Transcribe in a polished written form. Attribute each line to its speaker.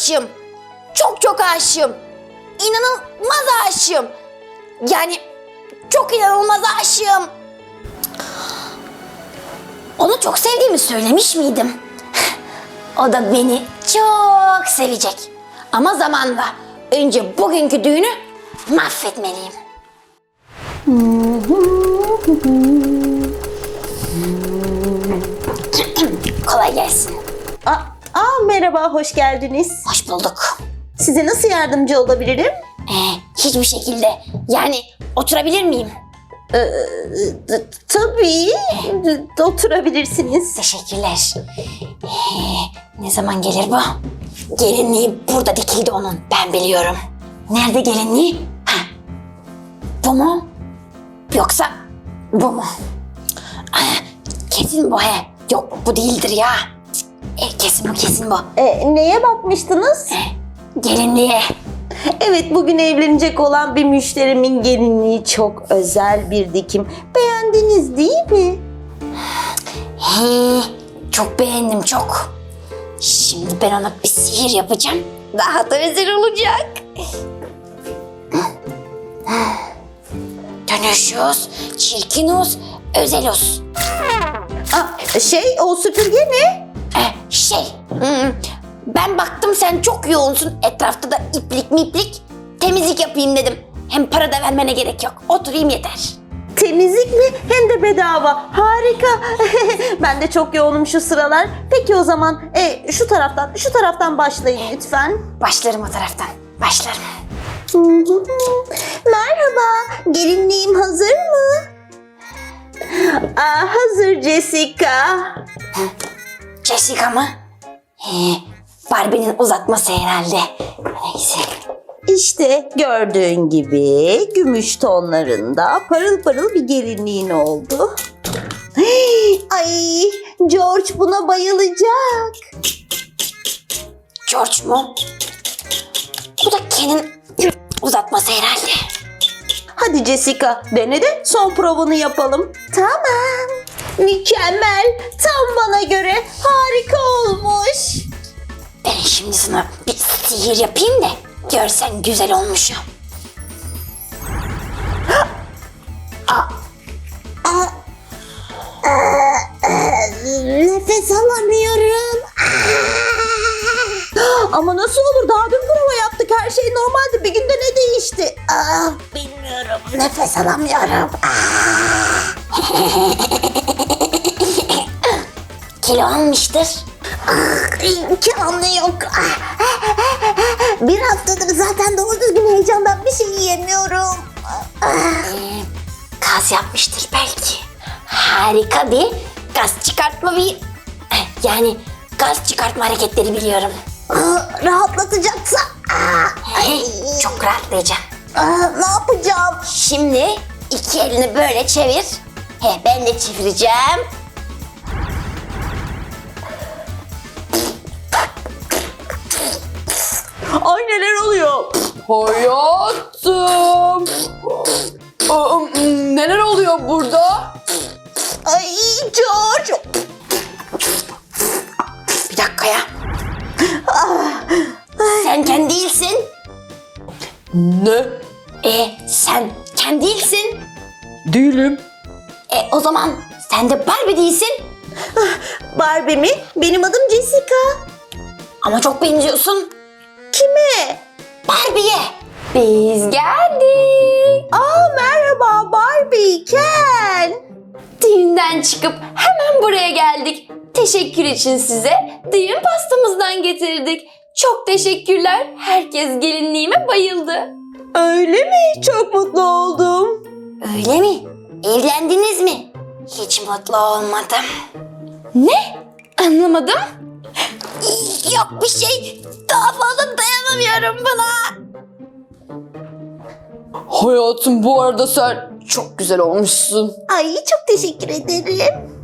Speaker 1: aşığım. Çok çok aşığım. İnanılmaz aşığım. Yani çok inanılmaz aşığım. Onu çok sevdiğimi söylemiş miydim? O da beni çok sevecek. Ama zamanla. Önce bugünkü düğünü mahvetmeliyim. Kolay gelsin.
Speaker 2: Merhaba, hoş geldiniz.
Speaker 1: Hoş bulduk.
Speaker 2: Size nasıl yardımcı olabilirim?
Speaker 1: Hiçbir şekilde. Yani oturabilir miyim?
Speaker 2: Tabii, oturabilirsiniz.
Speaker 1: Teşekkürler. Ne zaman gelir bu? Gelinliği burada dikildi onun. Ben biliyorum. Nerede gelinliği? Bu mu? Yoksa bu mu? Kesin bu he. Yok bu değildir ya. Kesin bu, kesin bu.
Speaker 2: Neye bakmıştınız?
Speaker 1: Gelinliğe.
Speaker 2: Evet, bugün evlenecek olan bir müşterimin gelinliği çok özel bir dikim. Beğendiniz değil mi?
Speaker 1: Çok beğendim, çok. Şimdi ben ona bir sihir yapacağım. Daha da özel olacak. Dönüşüz, çirkinuz, özeluz.
Speaker 2: O süpürge ne?
Speaker 1: Ben baktım sen çok yoğunsun. Etrafta da iplik miplik. Temizlik yapayım dedim. Hem para da vermene gerek yok. Oturayım yeter.
Speaker 2: Temizlik mi? Hem de bedava. Harika. Ben de çok yoğunum şu sıralar. Peki o zaman şu taraftan başlayın lütfen.
Speaker 1: Başlarım o taraftan. Başlarım.
Speaker 2: Merhaba, gelinliğim hazır mı? Hazır Jessica.
Speaker 1: Jessica mı? Barbie'nin uzatması herhalde. Neyse.
Speaker 2: İşte gördüğün gibi gümüş tonlarında parıl parıl bir gelinliğin oldu. Ay, George buna bayılacak.
Speaker 1: George mu? Bu da Ken'in uzatması herhalde.
Speaker 2: Hadi Jessica, dene de son provanı yapalım. Tamam. Mükemmel. Tam bana göre harika olmuş.
Speaker 1: Ben şimdi sana bir sihir yapayım da görsen güzel olmuşum.
Speaker 2: Nefes alamıyorum. Ama nasıl olur? Daha dün prova yaptık. Her şey normaldi. Bir günde ne değişti? Bilmiyorum. Nefes alamıyorum.
Speaker 1: Kilo almıştır.
Speaker 2: İmkanı yok. Bir haftadır zaten doğru düzgün heyecandan bir şey yiyemiyorum.
Speaker 1: Gaz yapmıştır belki. Harika bir gaz çıkartma yani gaz çıkartma hareketleri biliyorum.
Speaker 2: Rahatlatacaksa.
Speaker 1: Çok rahatlayacağım.
Speaker 2: Ne yapacağım?
Speaker 1: Şimdi iki elini böyle çevir. Ben de çevireceğim.
Speaker 2: Ay, neler oluyor?
Speaker 3: Hayatım. Neler oluyor burada?
Speaker 2: Ay George.
Speaker 1: Bir dakika ya. Sen Ken değilsin.
Speaker 3: Ne?
Speaker 1: Sen Ken değilsin.
Speaker 3: Değilim.
Speaker 1: O zaman sen de Barbie değilsin.
Speaker 2: Barbie mi? Benim adım Jessica.
Speaker 1: Ama çok benziyorsun.
Speaker 2: Kime?
Speaker 1: Barbie'ye. Biz geldik.
Speaker 2: Merhaba Barbie, Ken.
Speaker 1: Düğünden çıkıp hemen buraya geldik. Teşekkür için size düğün pastamızdan getirdik. Çok teşekkürler. Herkes gelinliğime bayıldı.
Speaker 2: Öyle mi? Çok mutlu oldum.
Speaker 1: Öyle mi? Evlendiniz mi? Hiç mutlu olmadım. Ne? Anlamadım. Yok bir şey. Daha fazla dayanamıyorum buna.
Speaker 3: Hayatım, bu arada sen çok güzel olmuşsun.
Speaker 2: Ay, çok teşekkür ederim.